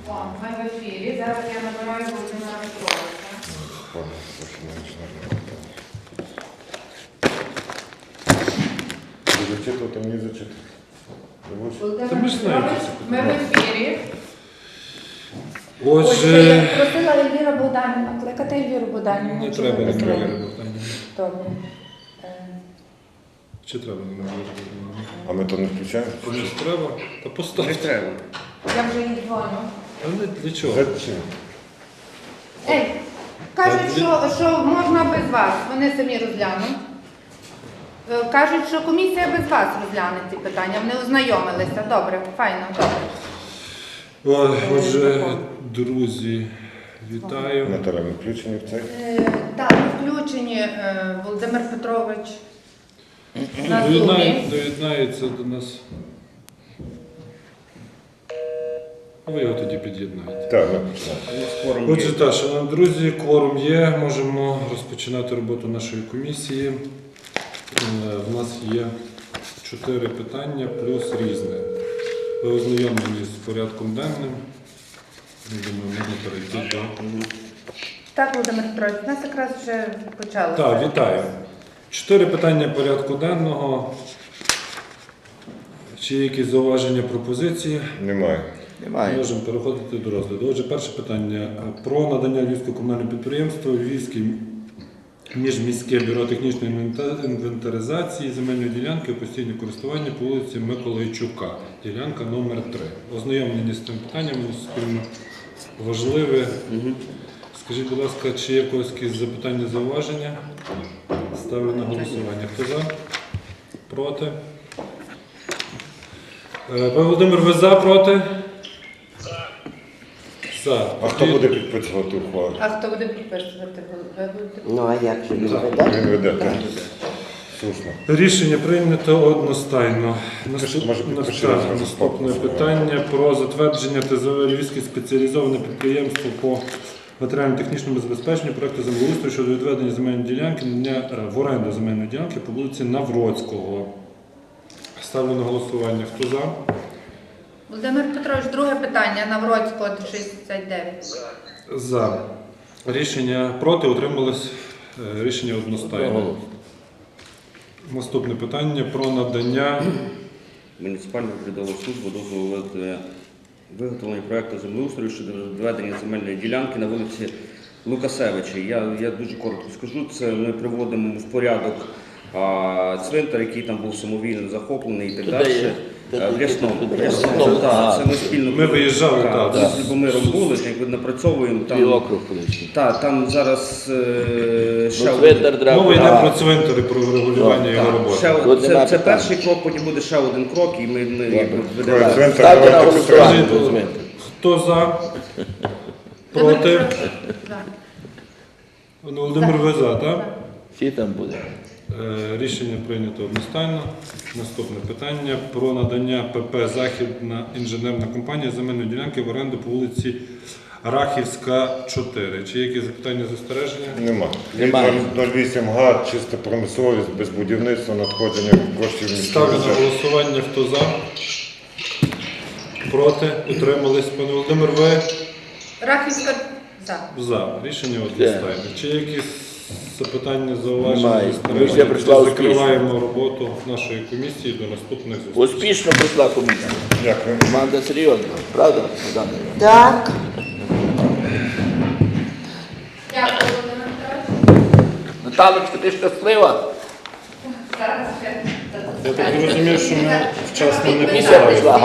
О, ми в ефірі. Зараз я набираю Володимира Петровича. Зачитувати, мені зачитати. Володимир Та ми ж знаємо, Петрович, що це ми в ефірі. Отже, Я просила Ельвіра Богданівна, кликати Ельвіру Богданівну. не чи треба ви не дозволите? треба. Добре. Чи треба не треба? А ми то не включаємо? Комусь треба? Та Не поставте. треба. Я вже їй дзвоню. А не для чого? Зачем? Ей, кажуть, що можна без вас. Вони самі розглянуть. Кажуть, що комісія без вас розгляне ці питання. Вони ознайомилися. Добре, файно, добре. Отже, друзі, вітаю. Наталя, ми включені в цей? Так, включені Володимир Петрович на Зумі. Доєднається до нас. А ви його тоді під'єднаєте. Так, ми починаємо. Скоро Отже, так, шановні друзі, кворум є, можемо розпочинати роботу нашої комісії. В нас є 4 питання плюс різне. Ви ознайомлені з порядком денним. Я думаю, можна перейти до... Так, Володимир Петрович, у нас якраз вже почалося. Так, вітаю. 4 питання порядку денного. Чи є якісь зауваження, пропозиції? Немає. Можемо переходити до розгляду. Отже, перше питання. Про надання Львівського комунального підприємства Львівський міжміське бюро технічної інвентаризації земельної ділянки у постійне користування по вулиці Миколайчука. Ділянка номер 3. Ознайомлені з цим питанням, воно спільно важливе. Скажіть, будь ласка, чи є в когось якісь запитання, зауваження? Ставлю на голосування. Хто за? Проти? Пане Володимир, ви за, проти? За. А хто буде підписувати ухвалу? А хто буде підписувати? Ви будете? Ну, а як же він веде? Він веде, так? Слушно. Рішення прийнято одностайно. Може, підпишемо зразу Наступне стоп. питання про затвердження ТЗВ Львівське спеціалізоване підприємство по матеріально-технічному забезпеченню проекту землеустрою щодо відведення земельної ділянки в оренду земельної ділянки по вулиці Навроцького. Ставлю на голосування. Хто за? Володимир Петрович, друге питання. Навроцького 69. За. Рішення проти, утримались. Рішення одностайно. Наступне питання про надання Муніципальна передала службу дозволу виготовлення проєкту землеустрою щодо відведення земельної ділянки на вулиці Лукасевича. Я дуже коротко скажу, це ми приводимо в порядок цвинтар, який там був самовільно захоплений і так далі. В Рясному. Це ми спільно. Ми виїжджали, так. З Любомиром були, якби напрацьовуємо. Там зараз ще один. Мова йде про цвинтари, про регулювання його роботи. Це перший крок, потім буде ще один крок, і ми якби ведемо. Центр, Ставте на давайте голосування. підтримуємо. Хто за? Проти? Володимир, ви за, так? Всі там буде. Рішення прийнято одностайно. Наступне питання про надання ПП «Західна інженерна компанія» земельної ділянки в оренду по вулиці Рахівська, 4. Чи є якісь запитання, застереження? Нема. 08 га, чиста промисловість, без будівництва, надходження коштів Ставлю на міського. голосування. Хто за? Проти? Утримались? Пане Володимир, ви? Рахівська за. За. Рішення одностайне. Чи є якісь запитання, зауваження, Немає. застереження? Комісія прийшла Тоді успішно. закриваємо роботу нашої комісії до наступних зустрічей. Успішно прийшла комісія. Дякую. Команда серйозна. Правда, Богдане? Так. Дякую, Володимир Петрович. Наталочка, ти щаслива? Зараз ще. Я так розумію, що ми вчасно не Комісія писали. прийшла.